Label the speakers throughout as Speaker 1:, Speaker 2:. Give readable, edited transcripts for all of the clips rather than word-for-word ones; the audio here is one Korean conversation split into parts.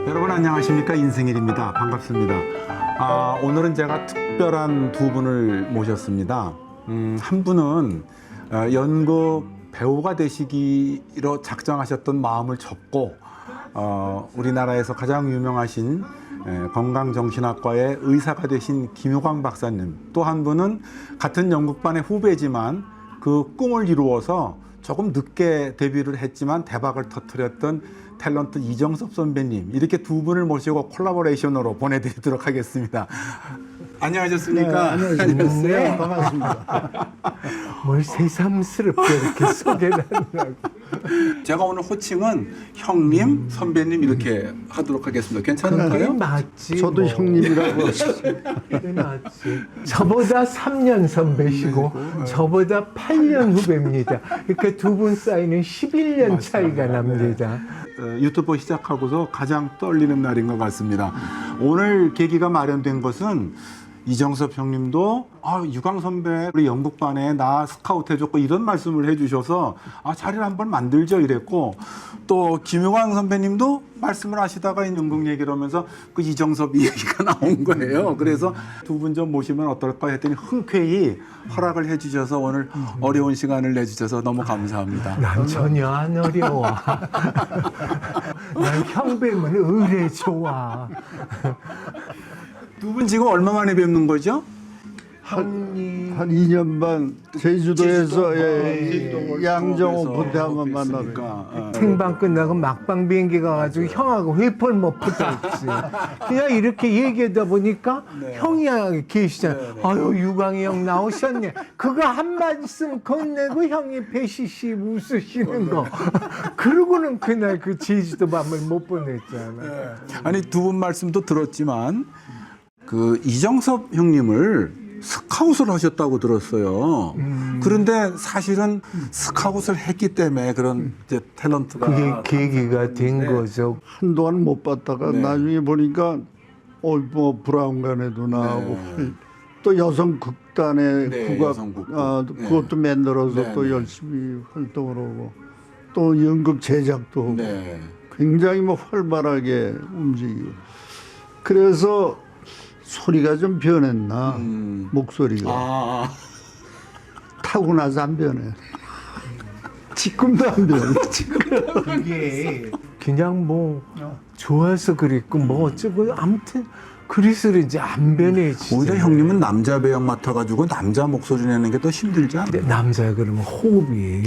Speaker 1: 여러분 안녕하십니까? 인생일입니다. 반갑습니다. 오늘은 제가 특별한 두 분을 모셨습니다. 한 분은 연극 배우가 되시기로 작정하셨던 마음을 접고 우리나라에서 가장 유명하신 건강정신학과의 의사가 되신 김효광 박사님, 또 한 분은 같은 연극반의 후배지만 그 꿈을 이루어서 조금 늦게 데뷔를 했지만 대박을 터뜨렸던 탤런트 이정섭 선배님, 이렇게 두 분을 모시고 콜라보레이션으로 보내드리도록 하겠습니다. 안녕하셨습니까?
Speaker 2: 네, 안녕하세요. 반갑습니다.
Speaker 3: 뭘 새삼스럽게 이렇게 소개를 하느라고.
Speaker 1: 제가 오늘 호칭은 형님, 선배님 이렇게 하도록 하겠습니다.
Speaker 3: 그게
Speaker 1: 괜찮을까요?
Speaker 3: 맞지.
Speaker 2: 저도
Speaker 3: 뭐.
Speaker 2: 형님이라고
Speaker 3: 그게 맞지. 저보다 3년 선배시고 저보다 8년 후배입니다. 그러니까 두 분 사이는 11년 차이가 납니다.
Speaker 1: 유튜브 시작하고서 가장 떨리는 날인 것 같습니다. 오늘 계기가 마련된 것은 이정섭 형님도 유광 선배 우리 연극반에 나 스카우트 해줬고 이런 말씀을 해주셔서 자리를 한번 만들죠 이랬고, 또 김효광 선배님도 말씀을 하시다가 연극 얘기를 하면서 그 이정섭 이야기가 나온 거예요. 그래서 두 분 좀 모시면 어떨까 했더니 흔쾌히 허락을 해주셔서 오늘 어려운 시간을 내주셔서 너무 감사합니다.
Speaker 3: 난 전혀 안 어려워. 난 형배면 의뢰 좋아.
Speaker 1: 두 분 지금 얼마 만에 뵙는 거죠?
Speaker 2: 한 2년 반 제주도에서
Speaker 1: 제주도
Speaker 2: 양정
Speaker 1: 월드컵에서
Speaker 2: 오픈 때 한번 만났어요.
Speaker 1: 뵀으니까.
Speaker 3: 생방 끝나고 막방 비행기 가가지고 형하고 회포를 못 붙었지. 그냥 이렇게 얘기하다 보니까 형이 계시잖아. 아유 유광이 형 나오셨네. 그거 한 말씀 건네고 형이 배시시 웃으시는 거. 그러고는 그날 그 제주도 밤을 못 보냈잖아.
Speaker 1: 아니 두 분 말씀도 들었지만 그 이정섭 형님을 스카웃을 하셨다고 들었어요. 그런데 사실은 스카웃을 했기 때문에 그런 이제 탤런트가
Speaker 3: 그게 계기가 된 거죠.
Speaker 2: 한동안 못 봤다가
Speaker 1: 네.
Speaker 2: 나중에 보니까 뭐 브라운관에도 나오고 또 여성 극단의
Speaker 1: 네,
Speaker 2: 국악
Speaker 1: 여성극단.
Speaker 2: 그것도 만들어서
Speaker 1: 네,
Speaker 2: 또
Speaker 1: 네.
Speaker 2: 열심히 활동을 하고 또 연극 제작도 하고
Speaker 1: 네.
Speaker 2: 굉장히 뭐 활발하게 움직이고, 그래서 소리가 좀 변했나 목소리가 타고나서 안 변해. 지금도 안 변해.
Speaker 3: 그게 그냥 뭐 좋아서 그랬고 뭐 어쩌고 아무튼 그래서 이제 안 변해지죠.
Speaker 1: 오히려 형님은 남자 배역 맡아가지고 남자 목소리 내는 게 더 힘들지 않아요?
Speaker 3: 근데 남자 그러면 호흡이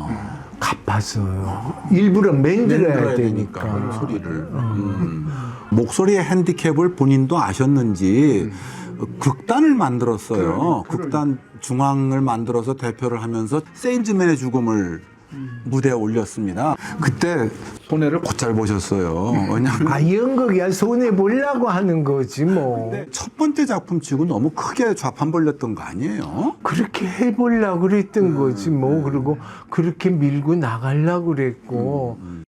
Speaker 3: 가빠서요. 일부러 만들어야 되니까.
Speaker 1: 소리를. 목소리의 핸디캡을 본인도 아셨는지 극단을 만들었어요. 극단 중앙을 만들어서 대표를 하면서 세일즈맨의 죽음을 무대에 올렸습니다. 그때 손해를 곧잘 보셨어요. 왜냐하면
Speaker 3: 연극이야 손해 보려고 하는 거지 뭐.
Speaker 1: 첫 번째 작품 치고 너무 크게 좌판 벌렸던 거 아니에요?
Speaker 3: 그렇게 해보려고 그랬던 거지 뭐. 그리고 그렇게 밀고 나가려고 그랬고.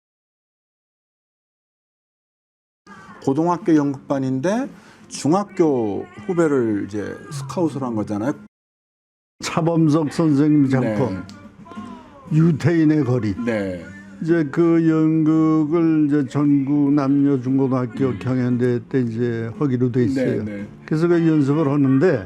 Speaker 1: 고등학교 연극반인데 중학교 후배를 이제 스카웃을 한 거잖아요.
Speaker 2: 차범석 선생님 작품 유태인의 거리.
Speaker 1: 네.
Speaker 2: 이제 그 연극을 이제 전국 남녀 중고등학교 경연대회 때 이제 하기로 돼 있어요.
Speaker 1: 네.
Speaker 2: 그래서 그 연습을 하는데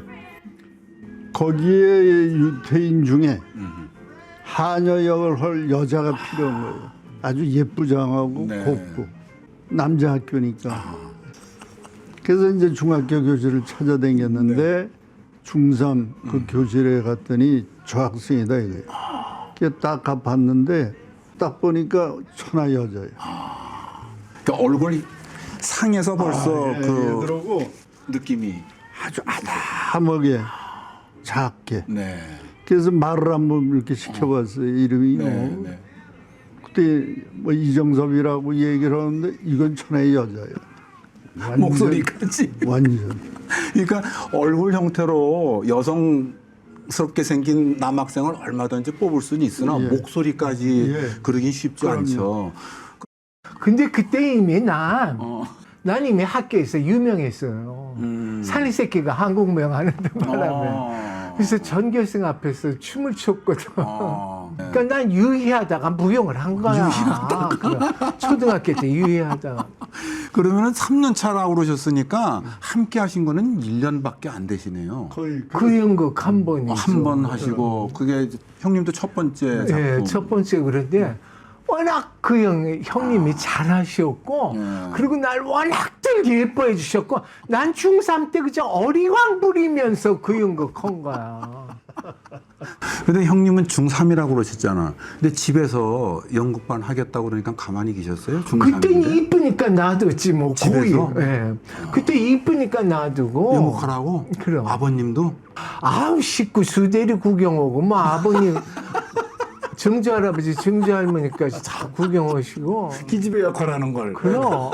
Speaker 2: 거기에 유태인 중에 하녀 역을 할 여자가 필요한 거예요. 아주 예쁘장하고
Speaker 1: 네.
Speaker 2: 곱고 남자 학교니까. 그래서 이제 중학교 교실을 찾아다녔는데 중3 그 교실에 갔더니 저 학생이다 이거예요. 그래서 딱 가봤는데 딱 보니까 천하 여자예요.
Speaker 1: 그러니까 얼굴이 상에서 벌써
Speaker 2: 그러고
Speaker 1: 느낌이.
Speaker 2: 아주 아담하게 작게.
Speaker 1: 네.
Speaker 2: 그래서 말을 한번 이렇게 시켜봤어요. 이름이 뭐. 그때 뭐 이정섭이라고 얘기를 하는데 이건 천하의 여자예요. 완전,
Speaker 1: 목소리까지.
Speaker 2: 완전.
Speaker 1: 그러니까 얼굴 형태로 여성스럽게 생긴 남학생을 얼마든지 뽑을 수는 있으나 목소리까지 그러긴 쉽지 않죠.
Speaker 3: 근데 그때 이미 난 이미 학교에서 유명했어요. 살리 새끼가 한국명 하는데 바람에. 그래서 전교생 앞에서 춤을 췄거든. 그러니까 난 유희하다가 무용을 한 거야. 초등학교 때 유희하다가.
Speaker 1: 그러면은 3년 차라고 그러셨으니까 함께 하신 거는 1년밖에 안 되시네요.
Speaker 2: 거의
Speaker 3: 그 연극 한 번이죠.
Speaker 1: 한 번 하시고 그게 이제 형님도 첫 번째 작품.
Speaker 3: 예, 첫 번째 그런데 워낙 그 형님이 잘하셨고 그리고 날 워낙들 예뻐해 주셨고 난 중3 때 그저 어리광 부리면서 그 연극 한 거야.
Speaker 1: 근데 형님은 중3이라고 그러셨잖아. 근데 집에서 연극반 하겠다고 그러니까 가만히 계셨어요?
Speaker 3: 그때
Speaker 1: 중3인데?
Speaker 3: 이쁘니까 놔뒀지 뭐
Speaker 1: 집에서?
Speaker 3: 거의. 예. 그때 이쁘니까 놔두고.
Speaker 1: 연극하라고?
Speaker 3: 그럼.
Speaker 1: 아버님도?
Speaker 3: 아우 식구 수대리 구경 오고 뭐 아버님 정주 할아버지 정주 할머니까지 다 구경 오시고.
Speaker 1: 기집애 역할하는 걸.
Speaker 3: 그럼.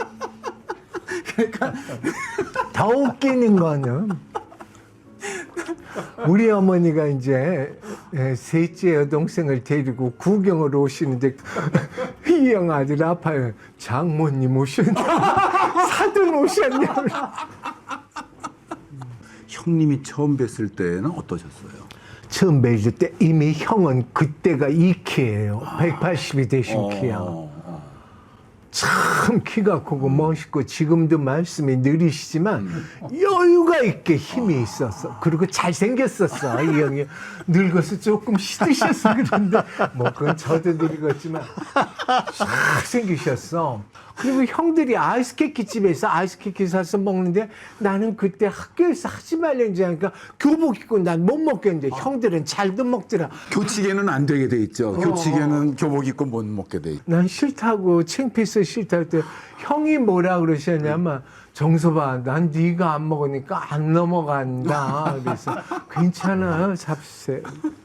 Speaker 3: 더 웃기는 거는 우리 어머니가 이제 셋째 여동생을 데리고 구경을 오시는데 이 형 아들 아파요. 장모님 오셨냐? 사돈 오셨냐?
Speaker 1: 형님이 처음 뵀을 때는 어떠셨어요?
Speaker 3: 처음 뵐 때 이미 형은 그때가 2키예요. 180이 되신 키야. 참 키가 크고 멋있고 지금도 말씀이 느리시지만 여유가 있게 힘이 있었어. 그리고 잘생겼었어. 이 형이 늙어서 조금 시드셨어 그런데 뭐 그건 저도 늙었지만 잘생기셨어. 그리고 형들이 아이스케이크 집에서 아이스케이크 사서 먹는데 나는 그때 학교에서 하지 말랬지 하니까 교복 입고 난 못 먹겠는데 형들은 잘도 먹더라.
Speaker 1: 교칙에는 안 되게 돼 있죠. 교칙에는 교복 입고 못 먹게 돼 있죠.
Speaker 3: 난 싫다고 창피해서 싫다고 할 때 형이 뭐라 그러셨냐면 정서봐 난 네가 안 먹으니까 안 넘어간다. 그래서 괜찮아요 잡세.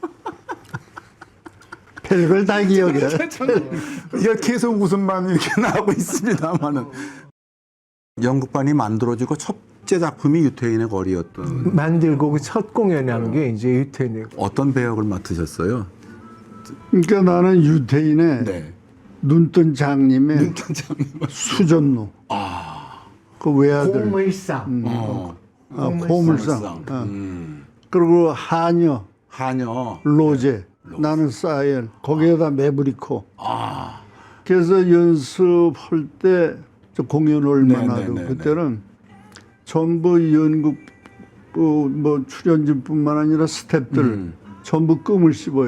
Speaker 2: 별걸 다 기억해.
Speaker 1: 계속 웃음만 이렇게 나오고 있습니다만은 연극반이 만들어지고 첫째 작품이 유태인의 거리였던.
Speaker 3: 만들고 그 첫 공연한 게 이제 유태인이고.
Speaker 1: 어떤 배역을 맡으셨어요?
Speaker 2: 그러니까 나는 유태인의
Speaker 1: 네.
Speaker 2: 눈뜬 장님의 수전노. 그 외아들.
Speaker 3: 고물상.
Speaker 2: 고물상. 그리고 하녀,
Speaker 1: 하녀.
Speaker 2: 로제. 나는 사이언. 거기에다 메브리코. 그래서 연습할 때 저 공연 얼마나 하고 그때는 전부 연극 뭐 출연진뿐만 아니라 스태프들 전부 끔을 씹어요.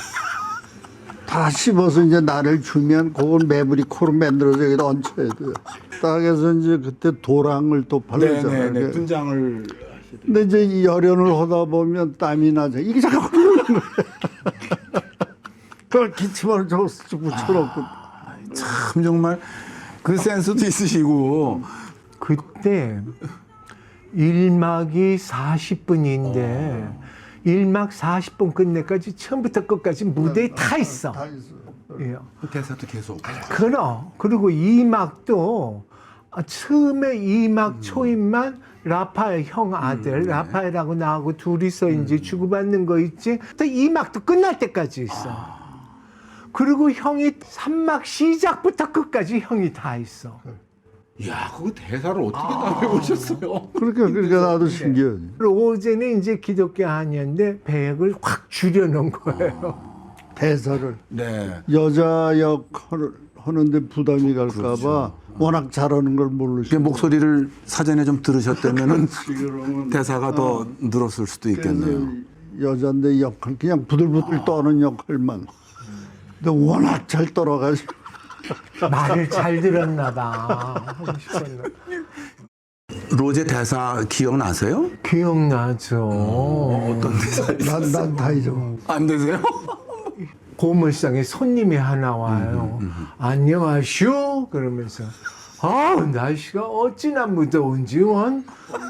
Speaker 2: 다 씹어서 이제 나를 주면 그건 메브리코로 만들어서 여기다 얹혀야 돼요. 딱 해서 이제 그때 도랑을 또 발랐잖아요.
Speaker 1: 네네네. 분장을.
Speaker 2: 근데 이제 이 열연을 하다 보면 땀이 나죠. 이게 자꾸 흐르는 거예요. 그걸 기침을 저거 붙여놓고.
Speaker 1: 참 정말 그 센스도 있으시고.
Speaker 3: 그때 1막이 40분인데 1막 40분 끝내까지 처음부터 끝까지 무대에 타 있어.
Speaker 2: 다 있어요.
Speaker 3: 예.
Speaker 1: 대사도 계속.
Speaker 3: 그럼 그리고 2막도 처음에 2막 초임만 라파엘 형 아들 라파엘하고 나하고 둘이서 이제 주고받는 거 있지. 또 2막도 끝날 때까지 있어. 그리고 형이 3막 시작부터 끝까지 형이 다 있어.
Speaker 1: 이야, 그거 대사를 어떻게 다 배우셨어요?
Speaker 2: 그러니까 나도 신기하지.
Speaker 3: 로제는 이제 기독교 아니었는데 배역을 확 줄여놓은 거예요.
Speaker 2: 대사를.
Speaker 1: 네.
Speaker 2: 여자 역할을 하는데 부담이 갈까봐 워낙 잘하는 걸 모르시고.
Speaker 1: 목소리를 사전에 좀 들으셨다면은
Speaker 2: 그러면
Speaker 1: 대사가 더 늘었을 수도 있겠네요.
Speaker 2: 여잔데 역할 그냥 부들부들 떠는 역할만. 근데 워낙 잘 떨어가지고.
Speaker 3: 말을 잘 들었나 봐. 하고 싶었나.
Speaker 1: 로제 대사 기억나세요?
Speaker 3: 기억나죠.
Speaker 1: 어떤 대사?
Speaker 2: 난 다 잊어.
Speaker 1: 안 되세요?
Speaker 3: 고물상에 손님이 하나 와요. 안녕하슈 그러면서 날씨가 어찌나 무더운지 원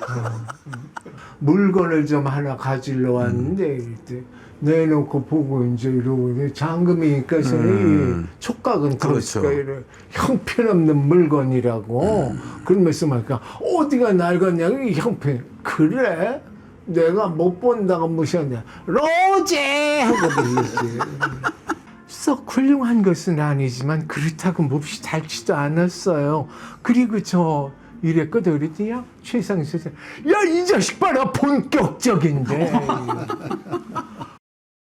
Speaker 3: 물건을 좀 하나 가지러 왔는데 이때 내놓고 보고 이제 이러고 잠금이니까 이 촉각은
Speaker 1: 그렇죠.
Speaker 3: 그렇으니까 이래 형편없는 물건이라고 그러면서 말까 어디가 낡았냐 이 형편 그래 내가 못 본다고 무시하냐 로제 하고 불렀지. 썩 훌륭한 것은 아니지만 그렇다고 몹시 닳지도 않았어요. 그리고 저 이랬거든 그랬더니 최상희 선생 야이 자식 봐라 본격적인데.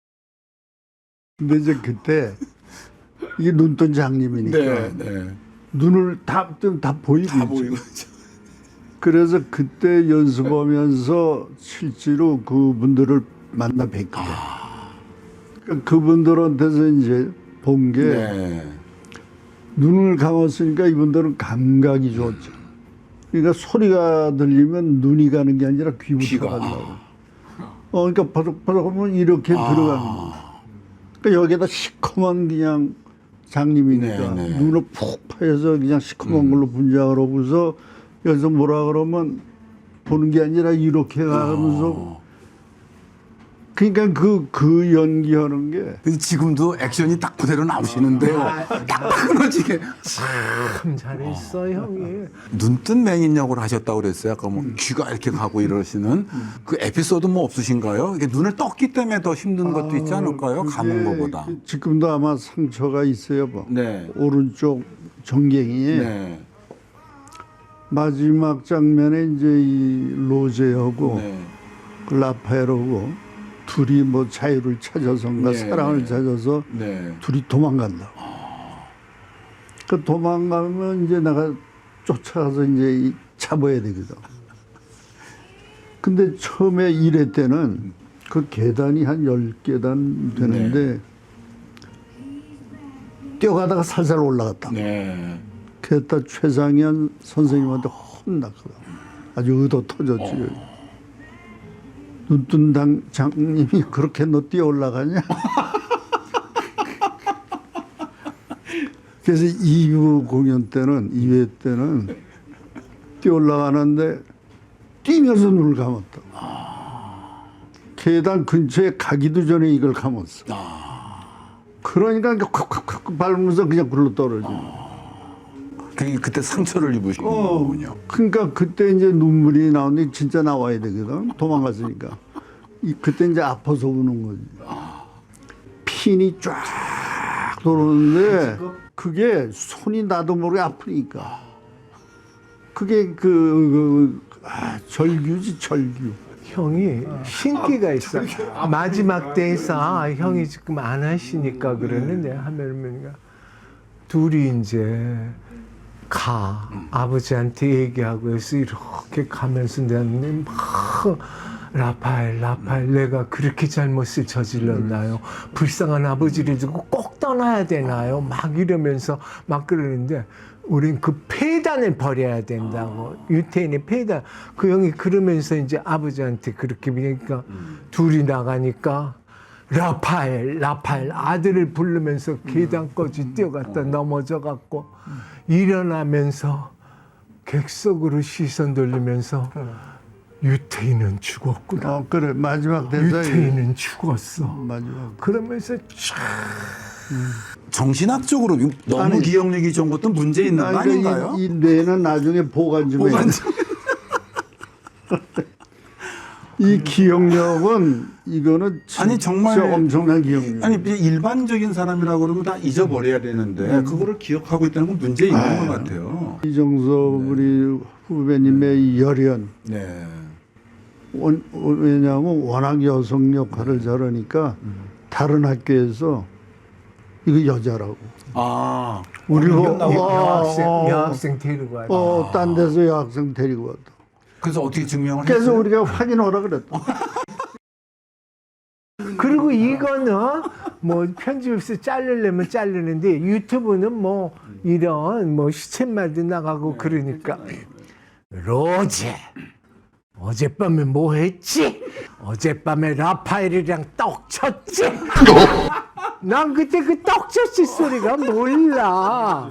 Speaker 2: 근데 이제 그때 이게 눈뜬 장님이니까
Speaker 1: 네, 네.
Speaker 2: 눈을 다 보이고
Speaker 1: 다
Speaker 2: 있죠.
Speaker 1: 보이고.
Speaker 2: 그래서 그때 연습하면서 실제로 그분들을 만나 뵀거든요. 그러니까 그분들한테서 이제 본 게
Speaker 1: 네.
Speaker 2: 눈을 감았으니까 이분들은 감각이 좋죠. 그러니까 소리가 들리면 눈이 가는 게 아니라 귀부터
Speaker 1: 귀가.
Speaker 2: 간다고. 그러니까 바삭바삭 하면 이렇게 들어가는 거예요. 그러니까 여기다 시커먼 그냥 장님이니까
Speaker 1: 네, 네.
Speaker 2: 눈을 푹 파여서 그냥 시커먼 걸로 분장을 하고서 여기서 뭐라 그러면 보는 게 아니라 이렇게 가면서 그러니까 그 연기하는 게
Speaker 1: 근데 지금도 액션이 딱 그대로 나오시는데요. 딱 끊어지게.
Speaker 3: 참 잘했어 형이.
Speaker 1: 눈뜬 맹인 역을 하셨다고 그랬어요. 아까 뭐 귀가 이렇게 가고 이러시는 그 에피소드 뭐 없으신가요? 이게 눈을 떴기 때문에 더 힘든 것도 있지 않을까요? 감은 것보다.
Speaker 2: 지금도 아마 상처가 있어요. 뭐.
Speaker 1: 네.
Speaker 2: 오른쪽 정갱이에
Speaker 1: 네.
Speaker 2: 마지막 장면에 이제 이 로제하고
Speaker 1: 네.
Speaker 2: 그 라파엘하고 둘이 뭐 자유를 찾아서인가
Speaker 1: 네,
Speaker 2: 사랑을
Speaker 1: 네.
Speaker 2: 찾아서
Speaker 1: 네.
Speaker 2: 둘이 도망간다. 그 도망가면 이제 내가 쫓아가서 이제 잡아야 되거든. 근데 처음에 1회 때는 그 계단이 한 10계단 되는데 뛰어가다가 살살 올라갔다.
Speaker 1: 네.
Speaker 2: 그랬다 최상현 선생님한테 혼났거든. 아주 의도 터졌지. 눈뜬 장님이 그렇게 너 뛰어 올라가냐? 그래서 2부 공연 때는 2회 때는 뛰어 올라가는데 뛰면서 눈을 감았다. 계단 근처에 가기도 전에 이걸 감았어. 그러니까 콱콱콱 밟으면서 그냥 굴러 떨어지는.
Speaker 1: 그때 상처를 입으신 거군요.
Speaker 2: 그러니까 그때 이제 눈물이 나오는데 진짜 나와야 되거든. 도망갔으니까. 그때 이제 아파서 우는 거지. 핀이 쫙 돌았는데 그게 손이 나도 모르게 아프니까. 그게 절규지 절규.
Speaker 3: 형이 신기가 있어. 마지막 때에서 형이 지금 안 하시니까 그러는데 하면 둘이 이제 아버지한테 얘기하고 해서 이렇게 가면서 내가 막 라파엘 내가 그렇게 잘못을 저질렀나요? 불쌍한 아버지를 두고 꼭 떠나야 되나요? 막 이러면서 막 그러는데 우린 그 폐단을 버려야 된다고. 유태인의 폐단. 그 형이 그러면서 이제 아버지한테 그렇게 그러니까 둘이 나가니까 라파엘 아들을 부르면서 계단까지 뛰어갔다 넘어져갖고 일어나면서 객석으로 시선 돌리면서 유태인은 죽었구나.
Speaker 2: 그래 마지막 대사에
Speaker 3: 유태인은 죽었어.
Speaker 2: 마지막.
Speaker 3: 그러면서 쫙
Speaker 1: 정신학적으로 너무
Speaker 2: 아니,
Speaker 1: 기억력이 좋은 것도 문제 있는 거 아닌가요?
Speaker 2: 이 뇌는 나중에 보관 좀 해야 돼. 이 기억력은 이거는
Speaker 1: 아니, 정말
Speaker 2: 엄청난 기억력.
Speaker 1: 아니 일반적인 사람이라고 그러면 다 잊어버려야 되는데 그거를 기억하고 있다는 건 문제 있는 것 같아요.
Speaker 2: 이정섭 우리 후배님의 열연.
Speaker 1: 네.
Speaker 2: 왜냐하면 워낙 여성 역할을 잘하니까 다른 학교에서 이거 여자라고.
Speaker 1: 아,
Speaker 2: 우리
Speaker 3: 여학생 데리고 와요.
Speaker 2: 딴 데서 여학생 데리고 왔다.
Speaker 1: 그래서 어떻게 증명을
Speaker 2: 그래서
Speaker 1: 했어요?
Speaker 2: 우리가 확인하라 그랬다.
Speaker 3: 그리고 이거는 뭐 편집에서 자르려면 자르는데 유튜브는 뭐 이런 뭐 시쳇말도 나가고 그러니까 로제 어젯밤에 뭐 했지? 어젯밤에 라파엘이랑 떡 쳤지? 난 그때 그 떡 쳤지 소리가 몰라.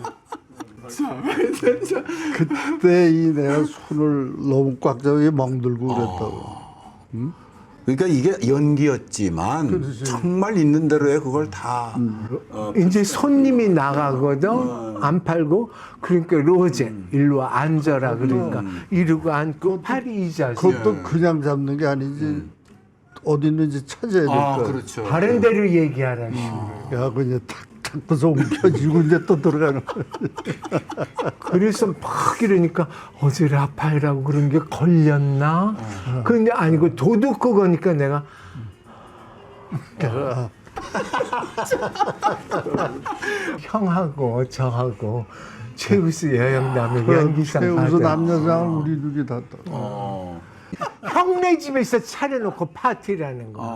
Speaker 2: 그때 내가 손을 너무 꽉 잡고 멍들고 그랬다고.
Speaker 1: 그러니까 이게 연기였지만 정말 있는 대로의 그걸 다
Speaker 3: 이제 손님이 나가거든 안 팔고 그러니까 로제 일로 와 앉아라 그러니까 이러고 앉고 팔이 이 자세.
Speaker 2: 그것도 그냥 잡는 게 아니지. 어디 있는지 찾아야 될 거야.
Speaker 1: 그렇죠.
Speaker 3: 다른 데로 얘기하라.
Speaker 2: 야, 그냥 탁 잡고서 움켜쥐고 이제 또 들어가는 거야.
Speaker 3: 그래서 막 이러니까 어제 라파엘하고 그런 게 걸렸나? 근데 아니고 도둑 그거니까 내가 형하고 저하고 최우수 여영남의
Speaker 2: 그
Speaker 3: 연기상
Speaker 2: 최우수
Speaker 3: 받아.
Speaker 2: 남녀상을 우리 둘이 다 따.
Speaker 3: 형네 집에서 차려놓고 파티라는 거.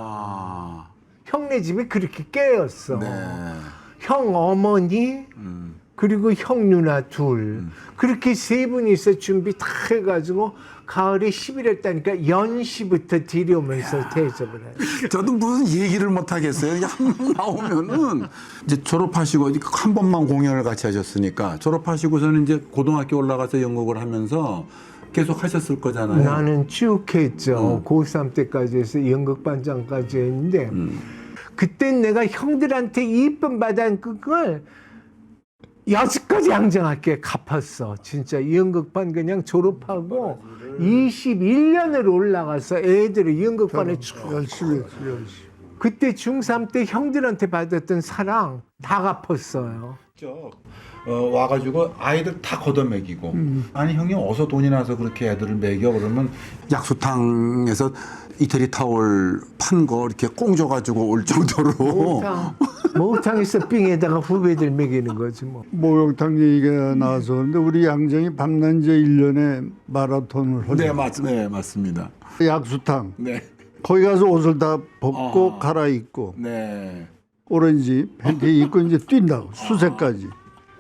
Speaker 3: 형네 집에 그렇게 깨었어. 형 어머니 그리고 형 누나 둘 그렇게 세 분이서 준비 다 해가지고 가을에 11월 달니까 연시부터 들여오면서 대접을 해요.
Speaker 1: 저도 무슨 얘기를 못 하겠어요. 이게 한 번 나오면은 이제 졸업하시고 한 번만 공연을 같이 하셨으니까 졸업하시고서는 이제 고등학교 올라가서 연극을 하면서 계속 하셨을 거잖아요.
Speaker 3: 나는 쭉 했죠. 고3 때까지 해서 연극반장까지 했는데 그땐 내가 형들한테 이쁨 받은 그걸 여지까지 양정할게 갚았어. 진짜 연극반 그냥 졸업하고 21년을 올라가서 애들을 연극반에 쭉
Speaker 2: 열심히 했지, 열심히.
Speaker 3: 그때 중3 때 형들한테 받았던 사랑 다 갚았어요.
Speaker 1: 와가지고 아이들 다 걷어먹이고 아니 형님 어서 돈이 나서 그렇게 애들을 먹여 그러면 약수탕에서 이태리 타월 판 거 이렇게 꽁줘가지고 올 정도로
Speaker 3: 목욕탕에서 빙에다가 후배들 먹이는 거지 뭐.
Speaker 2: 목욕탕 얘기가 나와서 그런데 우리 양정이 밤낮제 1년에 마라톤을 하죠.
Speaker 1: 네 맞습니다.
Speaker 2: 약수탕.
Speaker 1: 네.
Speaker 2: 거기 가서 옷을 다 벗고 갈아입고
Speaker 1: 네.
Speaker 2: 오렌지 팬티 입고 이제 뛴다고 수세까지.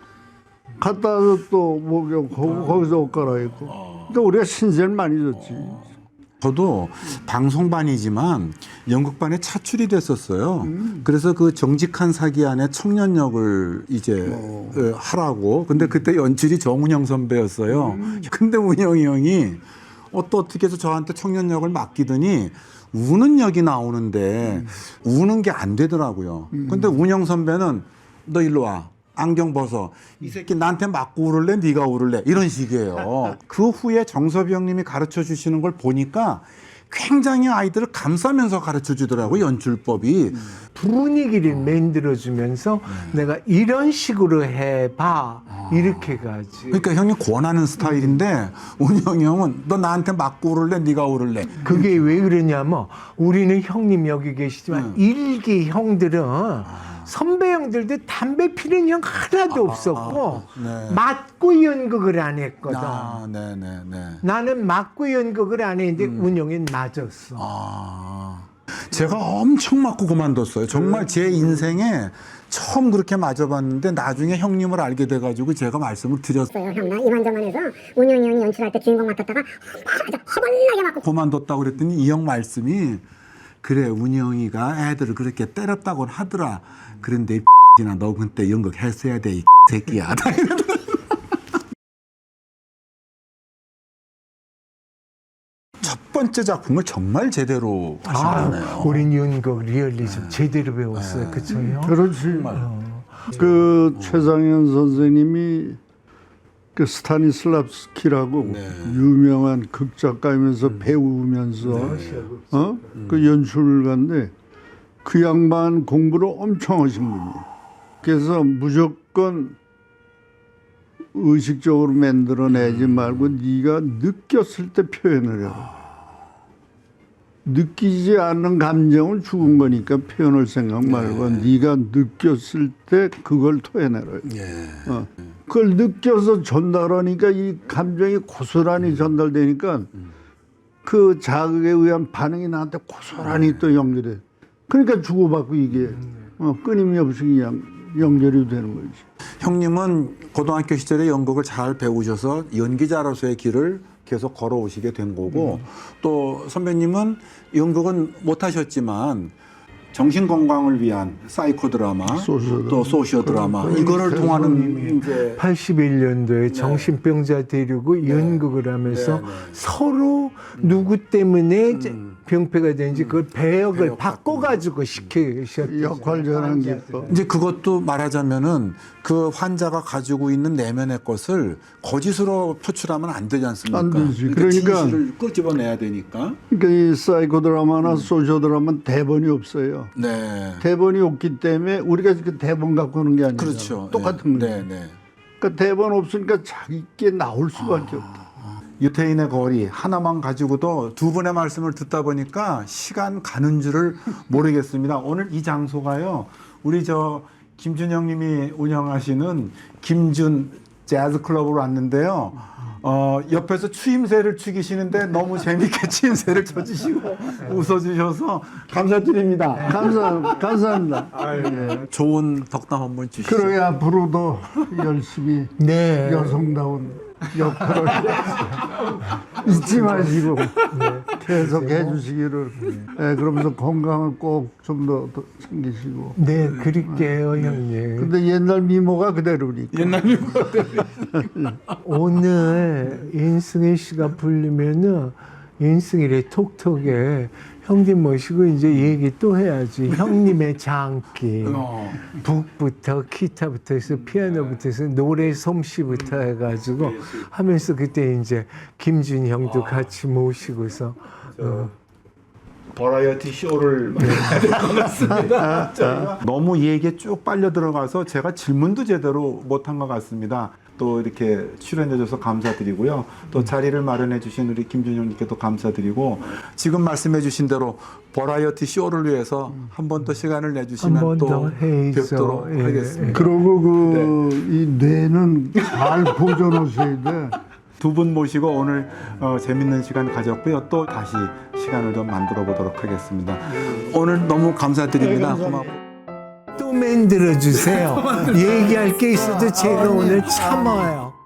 Speaker 2: 갔다 와서 또 목욕하고 거기서 옷 갈아입고. 그러니까 우리가 신세를 많이 줬지.
Speaker 1: 저도 방송반이지만 연극반에 차출이 됐었어요. 그래서 그 정직한 사기 안에 청년역을 이제 하라고. 근데 그때 연출이 정운영 선배였어요. 근데 운영이 형이 또 어떻게 해서 저한테 청년역을 맡기더니 우는 역이 나오는데 우는 게 안 되더라고요. 근데 운영 선배는 너 일로 와. 안경 벗어. 이 새끼 나한테 맞고 울을래? 네가 울을래? 이런 식이에요. 그 후에 정섭이 형님이 가르쳐 주시는 걸 보니까 굉장히 아이들을 감싸면서 가르쳐 주더라고요. 연출법이.
Speaker 3: 분위기를 만들어주면서 내가 이런 식으로 해봐. 이렇게 가지.
Speaker 1: 그러니까 형이 권하는 스타일인데 운영이 형은 너 나한테 맞고 울을래? 네가 울을래?
Speaker 3: 그게 왜 그러냐면 우리는 형님 여기 계시지만 일기 형들은 선배 형들도 담배 피는 형 하나도 없었고
Speaker 1: 네.
Speaker 3: 맞고 연극을 안 했거든.
Speaker 1: 네네네.
Speaker 3: 나는 맞고 연극을 안 했는데 운영이 맞았어.
Speaker 1: 제가 엄청 맞고 그만뒀어요. 정말 제 인생에 처음 그렇게 맞아봤는데 나중에 형님을 알게 돼가지고 제가 말씀을 드렸어요.
Speaker 4: 형, 나 이만저만해서 운영이 형이 연출할 때 주인공 맡았다가 허벌나게 맞고
Speaker 1: 그만뒀다고 그랬더니 이 형 말씀이 그래 운영이가 애들을 그렇게 때렸다고는 하더라. 그런데 이 X나 너 그때 연극 했어야 돼 이 새끼야. 첫 번째 작품을 정말 제대로 하시네요.
Speaker 3: 우린 연극 리얼리즘 제대로 배웠어요. 그쵸 형?
Speaker 2: 그렇지. 그 최상현 선생님이 그 스타니슬랍스키라고 유명한 극작가이면서 배우면서 그 연출가인데 그 양반 공부를 엄청 하신 분이에요. 그래서 무조건 의식적으로 만들어내지 말고 네가 느꼈을 때 표현을 해라. 느끼지 않는 감정은 죽은 거니까 표현할 생각 말고 네가 느꼈을 때 그걸 토해내라. 그걸 느껴서 전달하니까 이 감정이 고스란히 전달되니까 그 자극에 의한 반응이 나한테 고스란히 또 연결돼. 그러니까 주고받고 이게 끊임없이 그냥 연결이 되는 거지.
Speaker 1: 형님은 고등학교 시절에 연극을 잘 배우셔서 연기자로서의 길을 계속 걸어오시게 된 거고 또 선배님은 연극은 못하셨지만 정신 건강을 위한 사이코 드라마, 또 소시오 드라마 이거를 통하는 이제
Speaker 3: 81년도에 정신병자 데리고 연극을 하면서 서로 누구 때문에 병폐가 되는지 그걸 배역을 바꿔가지고 시키셨죠.
Speaker 2: 역할 전환 기법.
Speaker 1: 이제 그것도 말하자면은 그 환자가 가지고 있는 내면의 것을 거짓으로 표출하면 안 되지 않습니까?
Speaker 2: 안 되지. 그러니까
Speaker 1: 진실을 끄집어내야 되니까.
Speaker 2: 그러니까 이 사이코 드라마나 소시오 드라마는 대본이 없어요.
Speaker 1: 네.
Speaker 2: 대본이 없기 때문에 우리가 그 대본 갖고 오는 게 아니라
Speaker 1: 그렇죠.
Speaker 2: 똑같은 거예요.
Speaker 1: 네.
Speaker 2: 그러니까 대본 없으니까 자기께 나올 수밖에 없다.
Speaker 1: 유태인의 거리 하나만 가지고도 두 분의 말씀을 듣다 보니까 시간 가는 줄을 모르겠습니다. 오늘 이 장소가요. 우리 저 김준영 님이 운영하시는 김준 재즈 클럽으로 왔는데요. 옆에서 추임새를 추기시는데 너무 재밌게 추임새를 쳐주시고 웃어주셔서 감사드립니다.
Speaker 2: 감사합니다.
Speaker 1: 좋은 덕담 한번 주시죠.
Speaker 2: 그러게 앞으로도 열심히
Speaker 3: 네.
Speaker 2: 여성다운 역할을 잊지 마시고 계속 해주시기를. 네, 그러면서 건강을 꼭 좀 더 챙기시고.
Speaker 3: 네, 그럴게요, 형님.
Speaker 2: 근데 옛날 미모가 그대로니까.
Speaker 1: 옛날 미국
Speaker 3: 오늘 인승희 씨가 부르면은 인승희의 톡톡에 형님 모시고 이제 얘기 또 해야지. 형님의 장기. 북부터 기타부터 해서 피아노부터 해서 노래 솜씨부터 해가지고 하면서 그때 이제 김준희 형도 같이 모시고서
Speaker 1: 버라이어티 쇼를 해야 될 것 같습니다. 저희가 너무 얘기에 쭉 빨려 들어가서 제가 질문도 제대로 못한 것 같습니다. 또 이렇게 출연해줘서 감사드리고요. 또 자리를 마련해 주신 우리 김준영님께도 감사드리고 지금 말씀해 주신 대로 버라이어티 쇼를 위해서 한 번 더 시간을 내주시면
Speaker 3: 한 번
Speaker 1: 또
Speaker 3: 더 해서,
Speaker 1: 뵙도록
Speaker 3: 예.
Speaker 1: 하겠습니다.
Speaker 2: 그러고 이 뇌는 잘 보존하셔야 돼.
Speaker 1: 두 분 모시고 오늘 재밌는 시간 가졌고요. 또 다시 시간을 좀 만들어 보도록 하겠습니다. 오늘 너무 감사드립니다. 고맙고.
Speaker 3: 또 만들어 주세요. 얘기할 게 있어도 제가 오늘 참아요.